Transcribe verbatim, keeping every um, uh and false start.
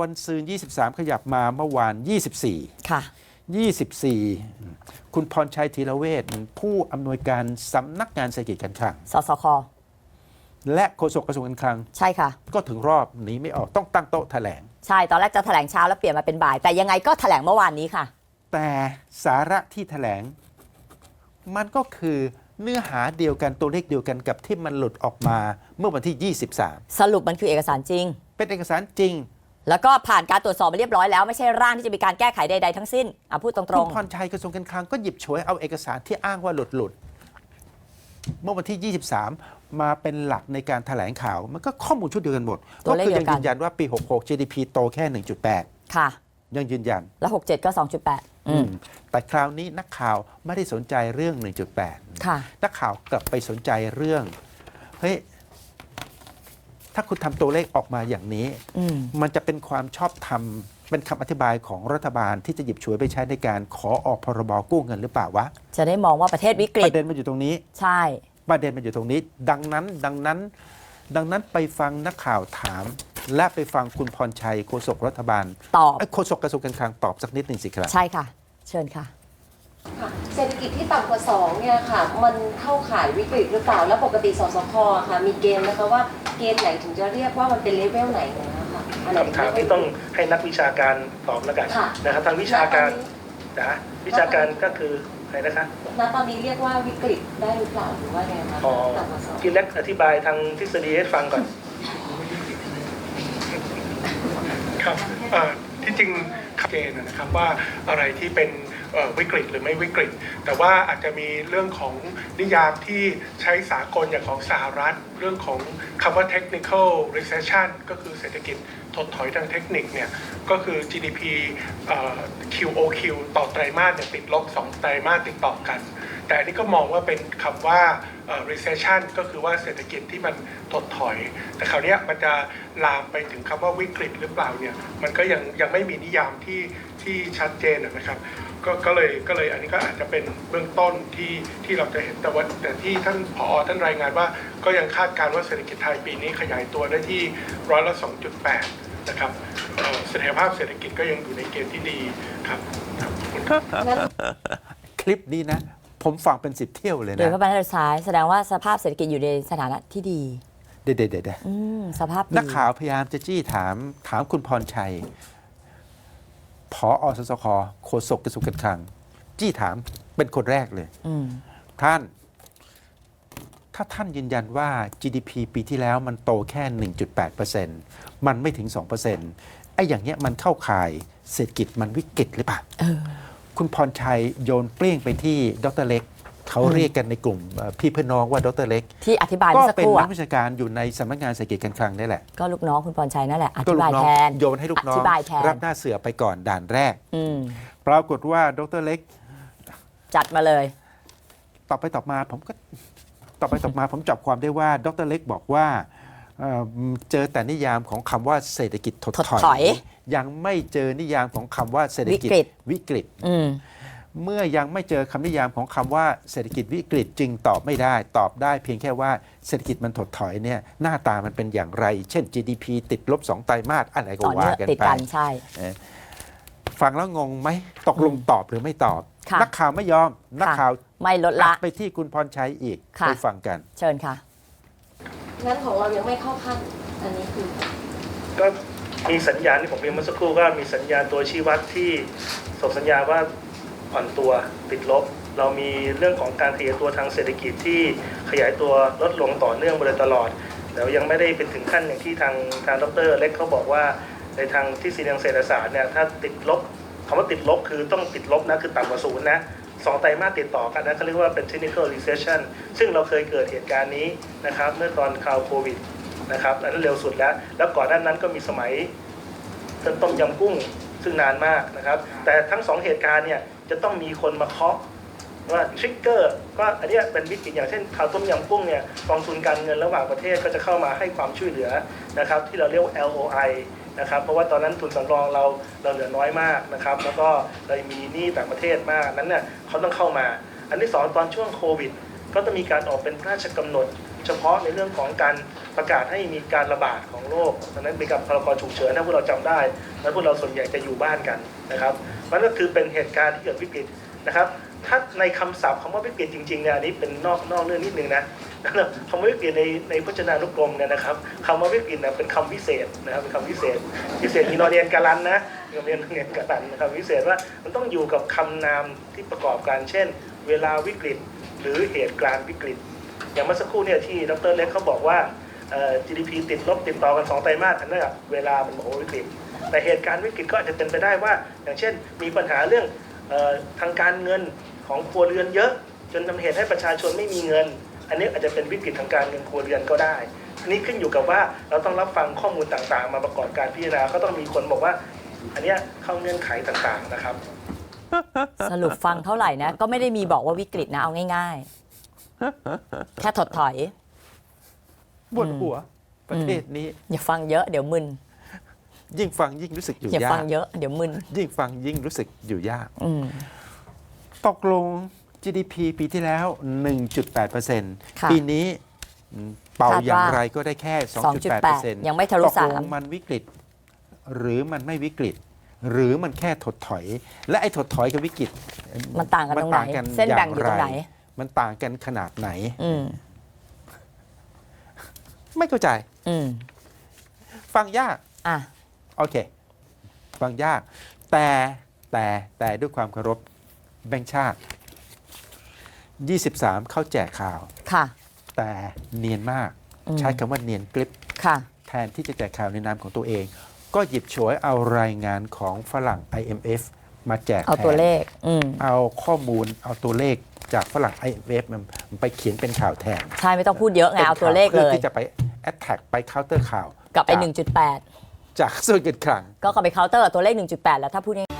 วันซืนยี่สิบสามขยับมาเมื่อวานยี่สิบสี่ค่ะยี่สิบสี่คุณพรชัยธีรเวชผู้อำนวยการสำนักงานเศรษฐกิจการคลังสสคและโฆษกกระทรวงการคลังใช่ค่ะก็ถึงรอบหนีไม่ออกต้องตั้งโต๊ะแถลงใช่ตอนแรกจะแถลงเช้าแล้วเปลี่ยนมาเป็นบ่ายแต่ยังไงก็แถลงเมื่อวานนี้ค่ะแต่สาระที่แถลงมันก็คือเนื้อหาเดียวกันตัวเลขเดียวกันกับที่มันหลุดออกมาเมื่อวันที่ยี่สิบสามสรุปมันคือเอกสารจริงเป็นเอกสารจริงแล้วก็ผ่านการตรวจสอบมาเรียบร้อยแล้วไม่ใช่ร่างที่จะมีการแก้ไขใดๆทั้งสิ้นอ่ะพูดตรงๆคุณพรชัยกระทรวงการคลังก็หยิบฉวยเอาเอกสารที่อ้างว่าหลุดหลุดเมื่อวันที่ยี่สิบสามมาเป็นหลักในการแถลงข่าวมันก็ข้อมูลชุดเดียวกันหมดก็คือยังยืนยันว่าปีหกสิบหก จี ดี พี โตแค่ หนึ่งจุดแปดค่ะยังยืนยันแล้วหกสิบเจ็ดก็ สองจุดแปด อืมแต่คราวนี้นักข่าวไม่ได้สนใจเรื่อง หนึ่งจุดแปดค่ะนักข่าวกลับไปสนใจเรื่องเฮ้ยถ้าคุณทำตัวเลขออกมาอย่างนี้มันจะเป็นความชอบธรรมเป็นคำอธิบายของรัฐบาลที่จะหยิบฉวยไปใช้ในการขอออกพรบกู้เงินหรือเปล่าวะจะได้มองว่าประเทศวิกฤตประเด็นมันอยู่ตรงนี้ใช่ประเด็นมันอยู่ตรงนี้ดังนั้นดังนั้นดังนั้นไปฟังนักข่าวถามและไปฟังคุณพรชัยโฆษกรัฐบาลตอบโฆษกกระทรวงการคลังตอบสักนิดหนึ่งสิครับใช่ค่ะเชิญค่ะเศรษฐกิจที่ต่ำกว่าสองเนี่ยค่ะมันเข้าข่ายวิกฤตหรือเปล่าแล้วปกติสสคค่ะมีเกณฑ์นะคะว่าเกณฑ์ไหนถึงจะเรียกว่ามันเป็นเลเวลไหนนะคะคำถามที่ต้องให้นักวิชาการตอบแล้วกันนะครับทางวิชาการนะวิชาการก็คืออะไรนะคะณตอนนี้เรียกว่าวิกฤตได้หรือเปล่าหรือว่าไงคะต่ำกว่าสองพี่เล็กอธิบายทางทฤษฎีให้ฟังก่อนครับที่จริงชัดเจนนะครับว่าอะไรที่เป็นวิกฤตหรือไม่วิกฤตแต่ว่าอาจจะมีเรื่องของนิยามที่ใช้สากลอย่างของสหรัฐเรื่องของคำว่า technical recession ก็คือเศรษฐกิจถดถอยทางเทคนิคเนี่ยก็คือ จี ดี พี คิว โอ คิว ต่อไตรมาสเนี่ยติดลบสองไตรมาสติดต่อกันแต่อันนี้ก็มองว่าเป็นคำว่า recession ก็คือว่าเศรษฐกิจที่มันถดถอยแต่คราวนี้มันจะลามไปถึงคำว่าวิกฤตหรือเปล่าเนี่ยมันก็ยังยังไม่มีนิยามที่ที่ชัดเจนนะครับก็ก็เลยก็เลยอันนี้ก็อาจจะเป็นเบื้องต้นที่ที่เราจะเห็นแต่ว่าแต่ที่ท่านผอ.ท่านรายงานว่าก็ยังคาดการณ์ว่าเศรษฐกิจไทยปีนี้ขยายตัวได้ที่ร้อยละ สองจุดแปด นะครับเสถียรภาพเศรษฐกิจก็ยังอยู่ในเกณฑ์ที่ดีครับคลิปนี้นะผมฟังเป็นสิบเที่ยวเลยนะโดยพระบรรทัดท้ายแสดงว่าสภาพเศรษฐกิจอยู่ในสถานะที่ดีเด็ดเด็ดเด็ดสภาพนักข่าวพยายามจะจี้ถามถามคุณพรชัยผอ.สสค.โฆษกกระทรวงการคลังจี้ถามเป็นคนแรกเลยท่านถ้าท่านยืนยันว่า จี ดี พี ปีที่แล้วมันโตแค่ หนึ่งจุดแปดเปอร์เซ็นต์ มันไม่ถึง สองเปอร์เซ็นต์ ไอ้อย่างเงี้ยมันเข้าข่ายเศรษฐกิจมันวิกฤตหรือเปล่าคุณพรชัยโยนเปรี้ยงไปที่ดร.เล็กเขาเรียกกันในกลุ่มพี่เพื่อนน้องว่าดร.เล็กที่อธิบายก็เป็นนักวิชาการอยู่ในสำนักงานเศรษฐกิจการคลังนี่แหละก็ลูกน้องคุณพรชัยนั่นแหละอธิบายแทนโยนให้ลูกน้องรับหน้าเสือไปก่อนด่านแรกปรากฏว่าดร.เล็กจัดมาเลยตอบไปตอบมาผมก็ตอบไปตอบมาผมจับความได้ว่าดร.เล็กบอกว่าเจอแต่นิยามของคำว่าเศรษฐกิจถดถอยยังไม่เจอนิยามของคำว่าเศรษฐกิจวิกฤตเมื่อยังไม่เจอคำนิยามของคำว่าเศรษฐกิจวิกฤตจึงตอบไม่ได้ตอบได้เพียงแค่ว่าเศรษฐกิจมันถดถอยเนี่ยหน้าตามันเป็นอย่างไรเช่น จี ดี พี ติดลบสองไตรมาสอะไรก็ว่ากันไปฟังแล้วงงไหมตกลงตอบหรือไม่ตอบนักข่าวไม่ยอมนักข่าวไม่ลดละไปที่คุณพรชัยอีกไปฟังกันเชิญค่ะงั้นของเรายังไม่เข้าขั้นอันนี้คือก็มีสัญญาณที่ผมเรียนเมื่อสักครู่ก็มีสัญญาณตัวชี้วัดที่ส่งสัญญาว่าอ่อนตัวติดลบเรามีเรื่องของการขยายตัวทางเศรษฐกิจที่ขยายตัวลดลงต่อเนื่องมาโดยตลอดแต่ยังไม่ได้เป็นถึงขั้นอย่างที่ทางทางดร.เล็กเขาบอกว่าในทางทฤษฎีทางเศรษฐศาสตร์เนี่ยถ้าติดลบคำว่าติดลบคือต้องติดลบนะคือต่ำกว่าศูนย์นะสองไตรมาสติดต่อกันนะเขาเรียกว่าเป็น technical recession ซึ่งเราเคยเกิดเหตุการณ์นี้นะครับเมื่อตอนคราวโควิดนะครับอันนั้นเร็วสุดแล้วแล้วก่อนหน้านั้นก็มีสมัยต้มยำกุ้งซึ่งนานมากนะครับแต่ทั้งสองเหตุการณ์เนี่ยจะต้องมีคนมาเคาะว่าทริกเกอร์ก็อันนี้เป็นวิกฤตอย่างเช่นข่าวต้มยำกุ้งเนี่ยกองทุนการเงินระหว่างประเทศก็จะเข้ามาให้ความช่วยเหลือนะครับที่เราเรียกว่า แอล โอ ไอ นะครับเพราะว่าตอนนั้นทุนสำรองเราเราเหลือน้อยมากนะครับแล้วก็เรามีหนี้ต่างประเทศมากนั้นเนี่ยเขาต้องเข้ามาอันที่สองตอนช่วงโควิดก็ต้องมีการออกเป็นพระราชกำหนด เฉพาะในเรื่องของการประกาศให้มีการระบาดของโรคดังนั้นมีการพรกฉุกเฉินถ้าพวกเราจำได้แล้วพวกเราส่วนใหญ่จะอยู่บ้านกันนะครับมันก็คือเป็นเหตุการณ์ที่เกิดวิกฤตนะครับถ้าในคำศัพท์คำว่าวิกฤตจริงๆเนี่ยอันนี้เป็นนอกนอกเรื่องนิดนึงนะคำว่าวิกฤตในในพจนานุกรมเนี่ยนะครับคำว่าวิกฤตเนี่ยเป็นคำวิเศษนะครับเป็นคำวิเศษวิเศษมีนอเรียนการันนะมีนอเรียนเรียนการันนะครับวิเศษว่ามันต้องอยู่กับคำนามที่ประกอบกันเช่น เวลาวิกฤตหรือเหตุการณ์วิกฤตอย่างเมื่อสักครู่เนี่ยที่ดรเล็กเขาบอกว่า จี ดี พี ติดลบติดต่อกันสองไตรมาสอันนั้นเวลามันบอกว่าวิกฤตแต่เหตุการณ์วิกฤตก็อาจจะเป็นไปได้ว่าอย่างเช่นมีปัญหาเรื่องเอ่อทางการเงินของครัวเรือนเยอะจนทำเหตุให้ประชาชนไม่มีเงินอันนี้อาจจะเป็นวิกฤตทางการเงินครัวเรือนก็ได้อันนี้ขึ้นอยู่กับว่าเราต้องรับฟังข้อมูลต่างๆมาประกอบการพิจารณาก็ต้องมีคนบอกว่าอันนี้เข้าเงื่อนไขต่างๆนะครับสรุปฟังเท่าไหร่นะก็ไม่ได้มีบอกว่าวิกฤตนะเอาง่ายๆ แค่ถดถอยปวดหัวประเทศนี้อย่าฟังเยอะเดี๋ยวมึนยิ่งฟังยิ่งรู้สึกอยู่อย่ายาฟักงเยอะเดี๋ยวมึนยิ่งฟังยิ่งรู้สึกอยู่ยากอืมตกลง จี ดี พี ปีที่แล้ว หนึ่งจุดแปดเปอร์เซ็นต์ค่ะปีนี้เป่าคาดว่าอย่างไรก็ได้แค่ สองจุดแปดเปอร์เซ็นต์ยังไม่ทะลุตกลงสามมันวิกฤต หรือมันไม่วิกฤต หรือมันแค่ถดถอย และไอ้ถดถอยกับวิกฤตมันต่างกันตรงไหนมัเส้นแบ่งอยู่ตรงไหนมันต่างกันขนาดไหนอืมไม่เข้าใจอืมฟังยากอ่ะโอเค ฟังยาก แต่แต่แต่ด้วยความเคารพแบงค์ชาติ ยี่สิบสาม เข้าแจกข่าวค่ะแต่เนียนมากอืมใช้คำว่าเนียนกริบค่ะแทนที่จะแจกข่าวในนามของตัวเอง ก็หยิบฉวยเอารายงานของฝรั่ง ไอ เอ็ม เอฟ มาแจกเอาแทตัวน เลข อืมเอาข้อมูลเอาตัวเลขจากฝรั่ง ไอ เอ็ม เอฟ มันไปเขียนเป็นข่าวแทนใช่ไม่ต้องพูดเยอะไงเอาตัวเลขเลพื่อย ที่จะไป attack ไป counter ข่าวกลับไปจากหนึ่งจุดแปดจากส่วนเกินคลังก็กลับไปเคาน์เตอร์กับตัวเลข หนึ่งจุดแปด แล้วถ้าพูดง่าย